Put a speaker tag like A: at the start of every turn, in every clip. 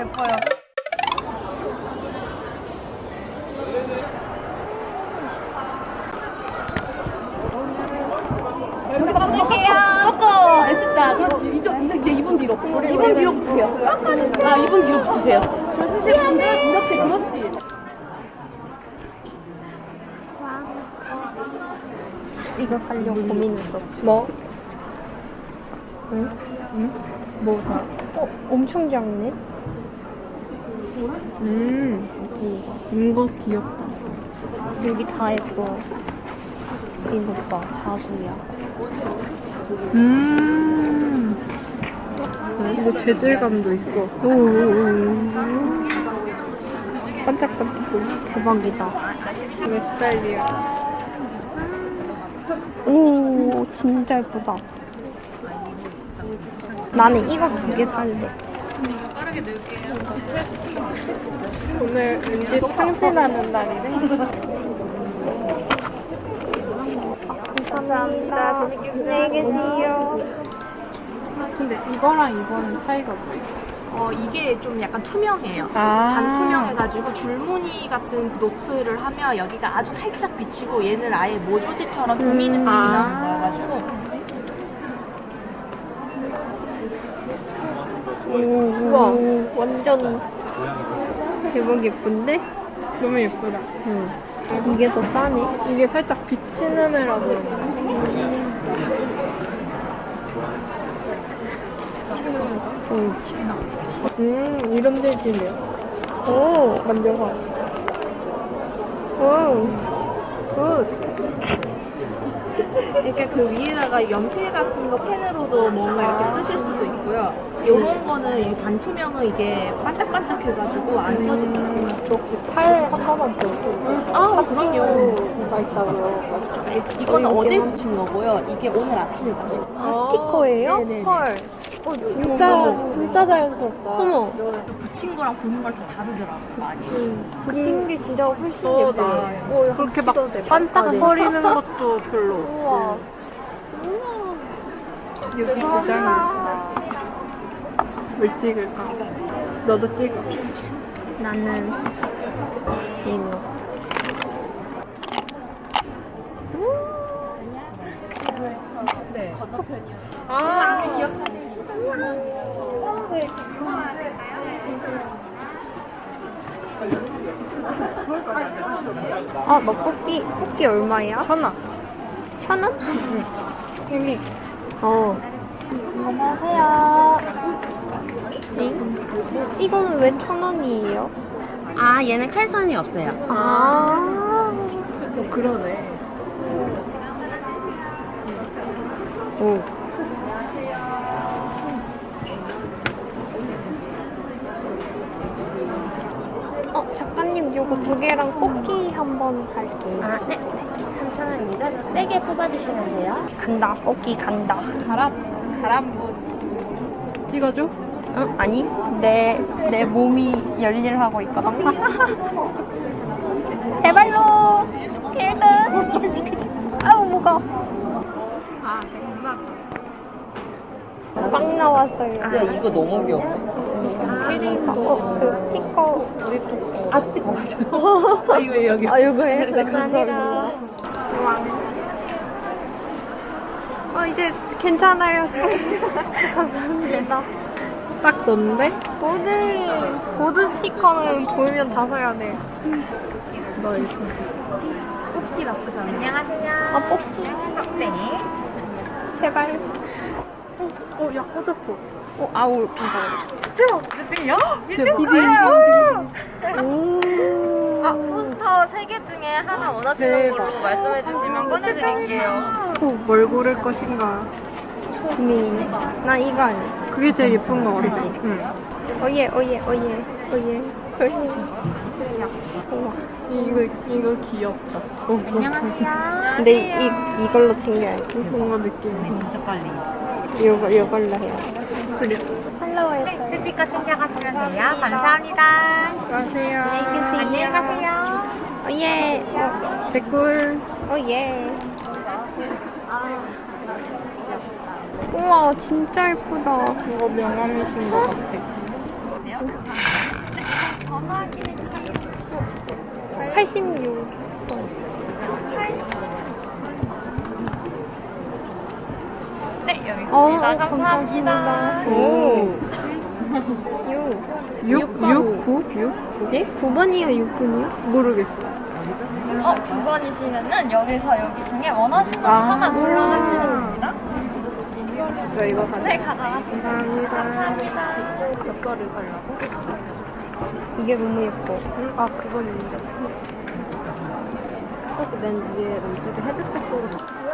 A: 예뻐요. 여기서 끊을게요. 꺾어. S자. 그렇지. 이제 이분 뒤로. 이분 뒤로 붙으세요. 아, 이분 뒤로 붙으세요. 줄 서실 분들 이렇게 그렇지.
B: 이거 살려고 고민했었어.
A: 뭐?
B: 응?
A: 응? 뭐 사?
B: 엄청 작네.
A: 이거 귀엽다.
B: 여기 다 예뻐. 이거 봐, 자수야.
A: 이거 재질감도 있어. 반짝반짝.
B: 대박이다.
A: 내 스타일이야.
B: 오, 진짜 예쁘다. 나는 이거 2개 살래.
A: 오늘 왠지 상신하는 날이네.
B: 감사합니다. 안녕히 계세요.
A: 근데 이거랑 이거는 차이가 뭐예요?
C: 이게 좀 약간 투명해요.
A: 아.
C: 반투명해가지고 줄무늬 같은 그 노트를 하면 여기가 아주 살짝 비치고 얘는 아예 모조지처럼 도미 느낌이 나는 거여가지고
B: 우와, 완전 대박 예쁜데?
A: 너무 예쁘다.
B: 응. 이게 더 싸네.
A: 이게 살짝 비치는 애라서 그런가? 이런 재질이에요.
B: 오,
A: 만져봐.
B: 오, 굿.
C: 그러니까 그 위에다가 연필 같은 거 펜으로도 뭔가 이렇게 쓰실 수도 있고요. 요런 거는 이 반투명은 이게 반짝반짝해가지고 안 써지더라고요.
A: 이렇게 팔 한 번만 더 쓰고.
C: 아, 그럼요.
A: 가 있다고요.
C: 이거는 어제 붙인 거고요. 이게 오늘 아침에 붙인 거.
B: 아, 스티커예요?
C: 네네네.
B: 헐.
A: 진짜 자연스럽다.
B: 어머,
C: 붙인 거랑 보는 걸 좀 다르더라고요, 많이.
B: 붙인 게 진짜 훨씬
A: 더
B: 예뻐.
A: 나아요. 그렇게 막 반딱거리는 것도 별로.
B: 우와.
A: 여기 도장이 뭘 찍을까? 너도 찍어.
B: 나는 이거.
C: 네. 건너편이었어요.
B: 아,
C: 기억하는
B: 아, 너 뽑기 얼마야?
A: 1,000원.
B: 1,000원?
A: 여기.
B: 안녕하세요. 네? 이거는 왜 1,000원이에요?
C: 아, 얘는 칼선이 없어요.
B: 아.
A: 그러네.
B: 오. 작가님 요거 2개랑 뽑기 한번 할게요.
C: 아, 네. 3,000원입니다. 세게 뽑아주시면 돼요.
B: 간다. 뽑기 간다.
A: 찍어줘?
B: 응? 아니, 내 몸이 열일하고 있거든. 제발로 1등. 아우 무거워.
A: 아, 정말.
B: 꽝 나왔어요.
C: 이거 너무 귀여워.
B: 그 스티커.
C: 아, 스티커 맞아요. 아, 이거 여기.
B: 아, 요거 해.
C: 네, 감사합니다.
B: 이제 괜찮아요. 감사합니다.
A: 딱 넌데?
B: 보드 스티커는 보이면 다 사야 돼.
A: 너 이거.
C: 뽑기 나쁘지 않아요. 안녕하세요.
B: 아, 뽑기.
C: 네.
B: 제발.
A: 야, 꽂았어.
B: 아우, 괜찮아.
C: 포스터 3개 중에 하나 원하시는 걸로 말씀해 주시면 꺼내드릴게요.
A: 뭘 고를 것인가?
B: 고민이네. 나 이거 아니야.
A: 그게 제일 예쁜 거 같아.
B: 그치?
A: 응.
B: 오예. 우와.
A: 이거 귀엽다.
C: 안녕하세요.
B: 근데 이걸로 챙겨야지.
A: 뭔가 느낌이.
C: 진짜 빨리.
B: 이걸로 해야
A: 그래.
B: 팔로우했어요.
C: 스티커 챙겨가시면 돼요. 감사합니다.
A: 안녕하세요.
C: 안녕히 가세요.
B: 오예.
A: 댓글.
B: 오예. 우와, 진짜 예쁘다.
A: 이거 명함이신 것 같아.
B: 전화기
D: 86.
B: 네, 여기 있습니다. 감사합니다.
D: 오. 6, 9? 6? 예? 9번이야, 6번이야? 모르겠어.
B: 9번이시면은 여기서 여기 중에 원하시는 거 하나 골라가시면 됩니다.
D: 저 이거 가.
B: 네, 가져가시면
D: 감사합니다.
B: 감사합니다.
D: 몇 거를 가려고? 이게 너무 예뻐. 아, 그건 있는데. 저기 맨 위에 왼쪽에 헤드셋 소리.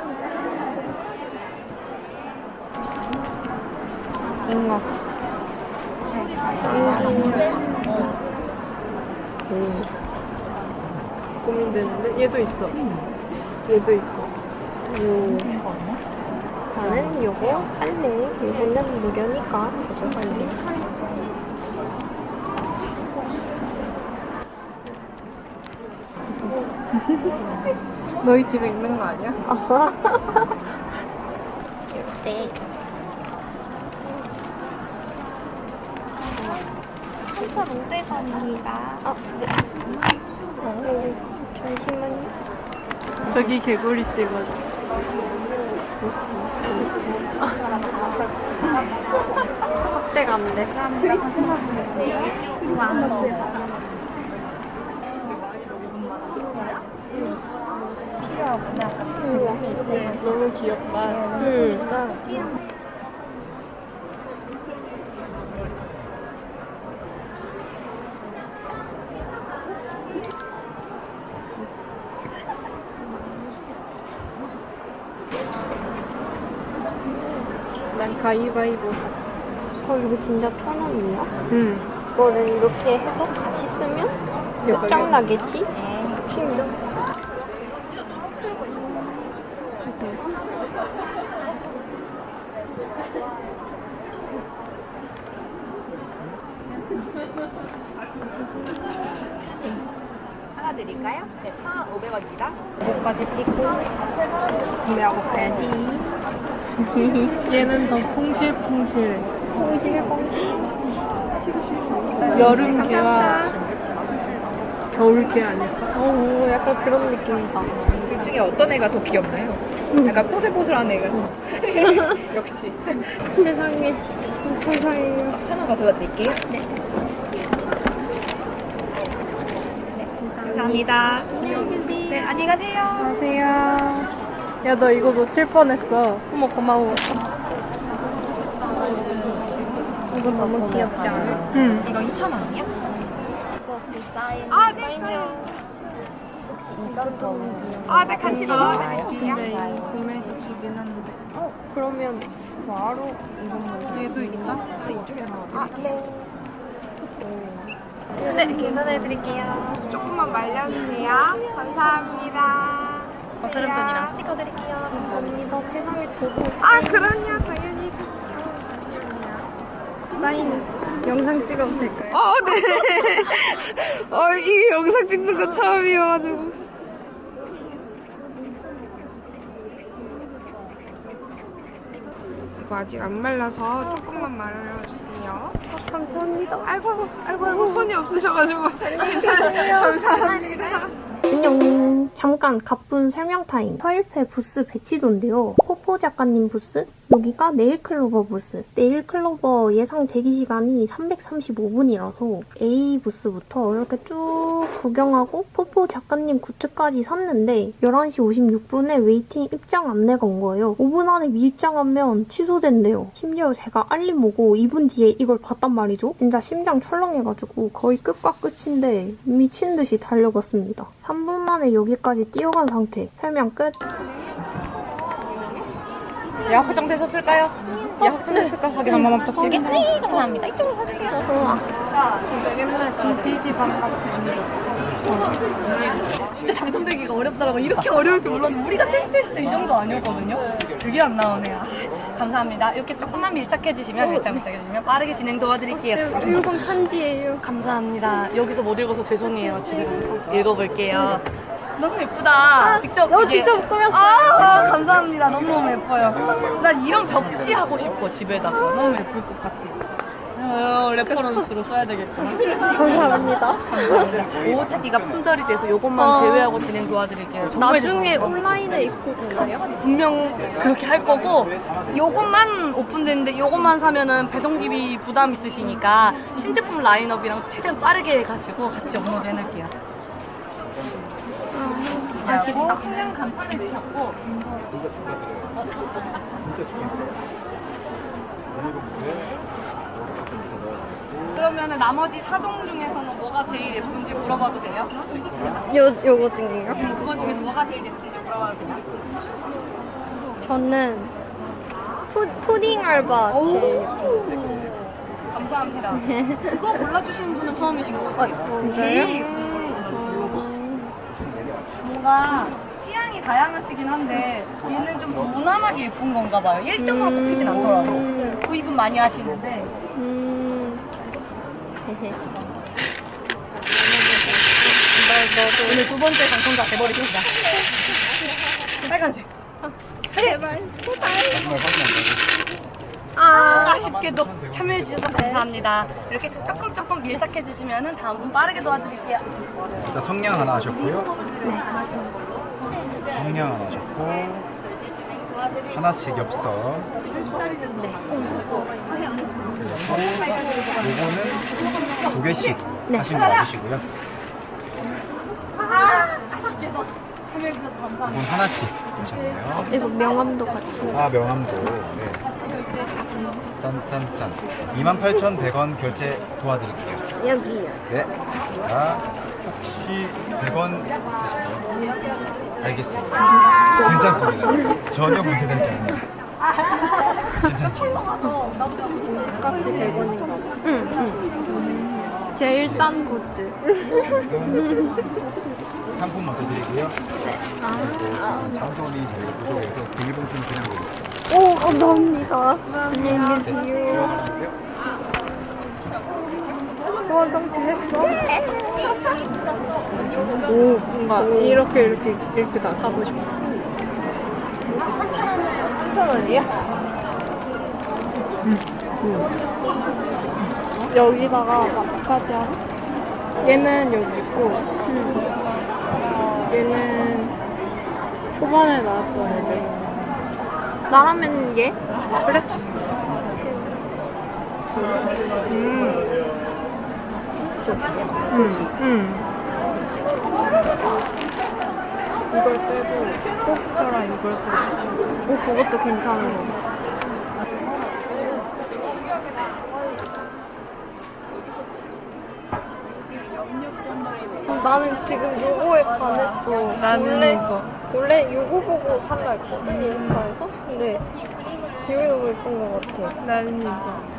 D: 뭔가. 고민되는데? 얘도 있어. 얘도 있고. 나는 요거 살래. 요거는 무료니까 요거 살래. 너희 집에 있는 거 아니야?
B: 네. 한차 롯데관입니다.
D: 잠시만요. 저기 개구리 찍어줘. 확대감대. 너무 귀엽다. 난 가위바위보 샀어.
E: 이거 진짜 1,000원이야?
D: 응.
E: 이거를 이렇게 해서 같이 쓰면 짱 나겠지? 힘들어.
C: 하나 드릴까요? 네, 1,500원입니다.
E: 이거까지 찍고 구매하고 가야지.
D: 얘는 더 퐁실퐁실해.
E: 퐁실퐁실.
D: 여름 개와 겨울 개 아닐까?
E: 약간 그런 느낌이다.
C: 둘 중에 어떤 애가 더 귀엽나요? 약간 포슬포슬한 애가. 역시.
E: 세상에. 세상에.
C: 1,000원 가져다 드릴게요. 네. 감사합니다. 네, 안녕히 가세요.
D: 안녕하세요. 야, 너 이거 놓칠 뻔했어.
E: 어머, 고마워. 이거 너무 귀엽지 않아?
D: 응.
C: 이거 2,000원이요?
B: 이거 혹시 사인?
C: 네, 사인.
B: 혹시 이전 더
C: 네, 같이 넣어드릴게요.
D: 근데 이거 구매해서 주긴 한데.
E: 그러면 바로
D: 얘도 있다?
B: 네, 계산해 드릴게요.
C: 조금만 말려주세요. 감사합니다.
B: 거스름돈이랑 스티커 드릴게요.
E: 감사합니다. 세상에 도구
C: 그럼요. 당연히.
E: 사인 영상 찍어도 될까요?
C: 네. 이 영상 찍는 거 처음이어가지고. 이거 아직 안 말라서 조금만 말려주세요.
E: 감사합니다.
C: 아이고, 손이 없으셔가지고. 괜찮으세요? 감사합니다.
E: 안녕. 잠깐 가쁜 설명 타임. 서일패 부스 배치도인데요. 포포 작가님 부스, 여기가 네일클로버 부스. 네일클로버 예상 대기시간이 335분이라서 A 부스부터 이렇게 쭉 구경하고 포포 작가님 굿즈까지 샀는데 11시 56분에 웨이팅 입장 안내가 온 거예요. 5분 안에 미입장하면 취소된대요. 심지어 제가 알림 오고 2분 뒤에 이걸 봤단 말이죠. 진짜 심장 철렁해가지고 거의 끝과 끝인데 미친 듯이 달려갔습니다. 3분 만에 여기까지 뛰어간 상태. 설명 끝.
C: 예약 확정되셨을까요? 예약 확정되셨을까? 확인 한 번만 부탁드릴게요.
B: 네, 감사합니다. 이쪽으로 사주세요.
D: 진짜 옛날 빈티지 방 같은.
A: 진짜 당첨되기가 어렵더라고. 이렇게 어려울 줄 몰랐는데 우리가 테스트했을 때 이 정도 아니었거든요. 그게 안 나오네요. 감사합니다. 이렇게 조금만 밀착해주시면 빠르게 진행 도와드릴게요.
E: 이건 편지예요.
A: 감사합니다. 여기서 못 읽어서 죄송해요. 집에 가서 꼭 읽어볼게요. 너무 예쁘다. 직접
E: 직접 꾸몄어요.
A: 감사합니다. 너무너무 예뻐요. 난 이런 벽지 하고 싶어. 집에다가 너무 예쁠 것 같아. 레퍼런스로 써야 되겠구나.
B: 감사합니다.
A: OOTD가 품절이 돼서 요것만 제외하고 진행 도와드릴게요. 정말
B: 나중에 온라인에 입고 되나요?
A: 분명 그렇게 할 거고 요것만 오픈됐는데 요것만 사면은 배송비비 부담 있으시니까 신제품 라인업이랑 최대한 빠르게 해가지고 같이 업로드 해놓을게요. 아쉽다. 그냥 간판에 넣으셨고
F: 진짜 축하드려요. 진짜 축하드려요.
A: 그러면은 나머지 4종 중에서는 뭐가 제일 예쁜지 물어봐도 돼요?
B: 요거 중이요?
A: 그거 중에서 뭐가 제일 예쁜지 물어봐도 돼요?
B: 저는 푸딩 알바 제일 예뻐요.
A: 감사합니다. 그거 골라주신 분은 처음이신 것 같아요.
B: 진짜요?
A: 제일 예쁜 걸 골라주셨고 뭔가 취향이 다양하시긴 한데 얘는 좀 무난하게 예쁜 건가 봐요. 1등으로 뽑히진 않더라도 구입은 많이 하시는데 오늘 두 번째 당첨자 돼버리겠다. 빨간색. 제발. 아쉽게도 참여해주셔서 감사합니다. 이렇게 조금 밀착해주시면 다음 분 빠르게 도와드릴게요.
F: 일단 성냥 하나 하셨고요. 성냥 하나 하셨고 하나씩 엽서. 요거는 2개씩 하신 거 맞으시고요.
A: 아쉽게도 참여해주셔서 감사합니다.
F: 이건 하나씩 하셨네요.
B: 이거 명함도 같이.
F: 아 명함도. 네. 짠짠짠. 28,100원 결제 도와드릴게요.
B: 여기요.
F: 네. 자, 혹시 100원 있으실까요? 알겠습니다. 괜찮습니다. 전혀 문제되지 않습니다. 괜찮습니다.
B: 값이 100원인가? 응. 제일 싼 굿즈.
F: 상품 먼저 드리고요. 네. 장소이 저희가 부족해서 비닐봉투는 그냥 드릴게요.
B: 오, 감사합니다. 안녕히 계세요.
F: 들어가주세요.
D: 오, 뭔가 이렇게 다 하고 싶어. 3,000원이야? 여기다가 마카지 하나? 얘는 여기 있고, 얘는 초반에 나왔던 애들.
B: 나라면 얘?
D: 그래? 이걸 빼고 포스터랑 이걸 사고.
B: 오, 그것도 괜찮은 거. 나는 지금 요거에 반했어.
D: 나는 이거.
B: 원래 요거 보고 살라 했거든, 인스타에서. 근데 이게 너무 예쁜 것 같아.
D: 나는 이거.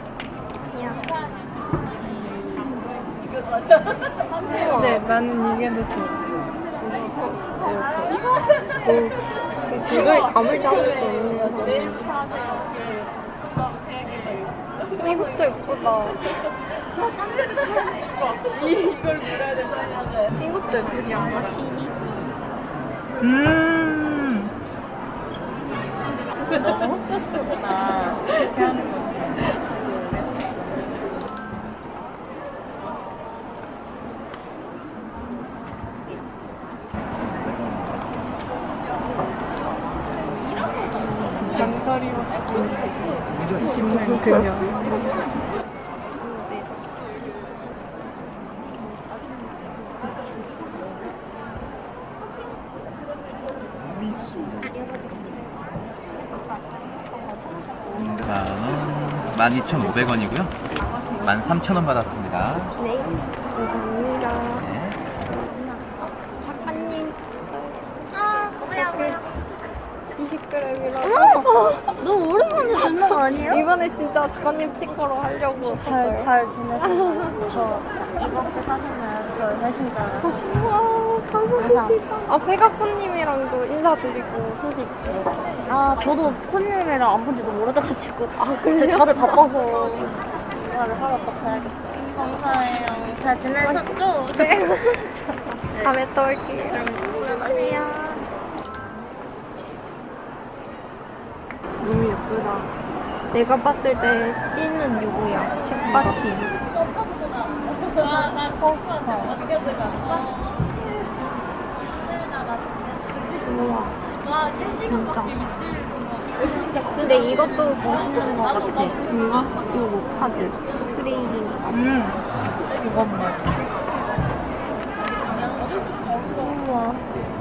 D: 네, 나는 이게 더 좋아.
B: 도저히 감을 잡을 수 없는 거. 이것도 예쁘다. 이걸 물어야 되잖아. 이것도 예쁘지 않아? 시니? 너무 흡사시켰구나. 이렇게 하는 거지.
D: 양다리 없이 짚는 그녀.
G: 자, 12,500원이고요. 13,000원 받았습니다.
B: 네, 감사합니다.
G: 네.
B: 작가님, 뭐야. 20g이라고.
H: 너무 오랜만에 듣는 거 아니에요?
B: 이번에 진짜 작가님 스티커로 하려고
H: 잘 지내셨어요? 저 이박스 사셨나요? 저 해신자랑
B: 감사합니다. 아, 페가코님이랑도 인사드리고 소식.
H: 아 저도 콘님이랑 안 본 지도 오래돼가지고 다들 바빠서 인사를 하러 또 가야겠어요. 감사해요. 잘 지내셨죠?
B: 네. 다음에 또 올게요.
H: 들어가세요.
D: 너무 예쁘다.
E: 내가 봤을 때 찐은 요거야. 햇받침. 우와. 진짜. 근데 이것도 멋있는 것 같아. 이거? 요거 카드. 트레이딩 카드. 이건 뭐? 우와.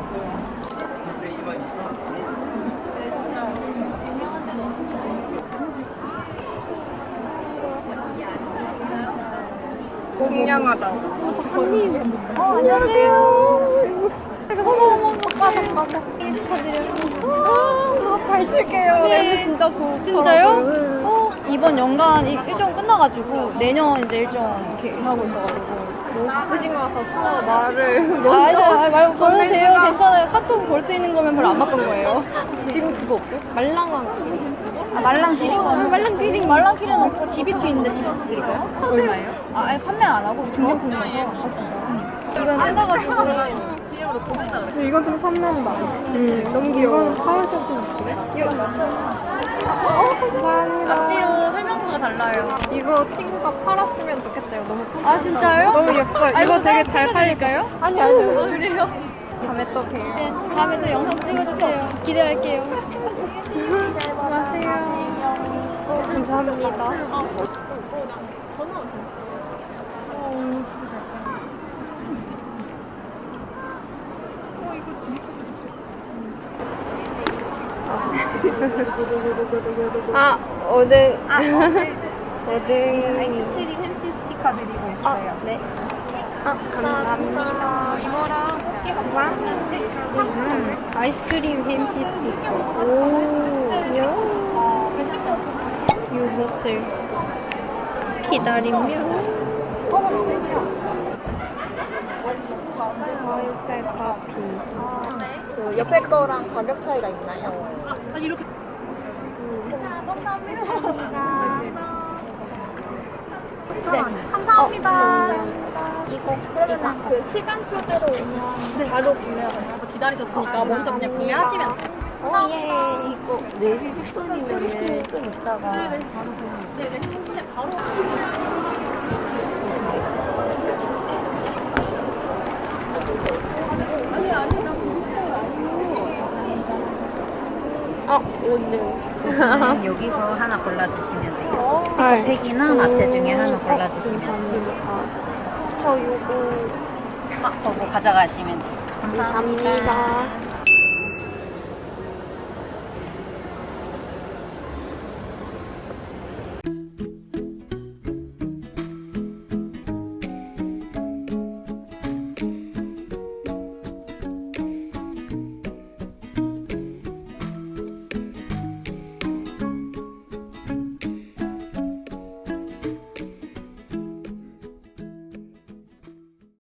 B: 공양하다.
E: 안녕하세요. 어머, 잠깐. 축하드려요. 잘 쓸게요. 네. 진짜 좋고.
D: 진짜요? 이번 연간 일정 끝나가지고 내년 이제 일정 이렇게 하고 있어가지고
E: 너무 바쁘신 것 같아서 처음 말을
D: 아니 말 걸어도 돼요. 괜찮아요. 카톡 볼 수 있는 거면 별로 안 바쁜 거예요. 지금 그거 없어요?
E: 말랑한
D: 말랑기링 말랑기링 없고 지비치 있는데 지비치 드릴까요? 얼마예요? 아예 판매 안 하고 중정품이라서 이건 뜯어가지고
B: 이건 좀 탐난다. 너무 귀여워. 이건 사오셨으면 감사합니다.
D: 앞뒤로 설명서가 달라요.
E: 이거 친구가 팔았으면 좋겠어요. 너무
D: 아 진짜요?
B: 너무 예뻐요. 이거 되게 잘 팔릴
D: 드릴까요?
B: 아니요.
D: 그래요?
E: 다음에 또 봬요.
D: 네, 다음에 또 영상 찍어주세요. 기대할게요.
E: 감사합니다. 오등. 오등.
C: 아이스크림 햄치 스티커 드리고 있어요.
E: 네. 감사합니다. 이거랑 아이스크림 햄치 스티커. 오, 요것을 기다리면 와이파이 커피.
C: 옆에 거랑 가격 차이가 있나요?
E: 이거 시간 초대로 오면 바로 구매가 가서 기다리셨으니까 먼저 그냥 구매하시면 돼요. 예. 이거 4시 10분이면 좀 있다가 네네. 10분에 바로
C: 오늘 여기서 하나 골라주시면 돼요. 스티커 팩이나 마테 중에 하나 골라주시면 돼요.
E: 저 요거
C: 보고 가져가시면 돼요.
E: 감사합니다.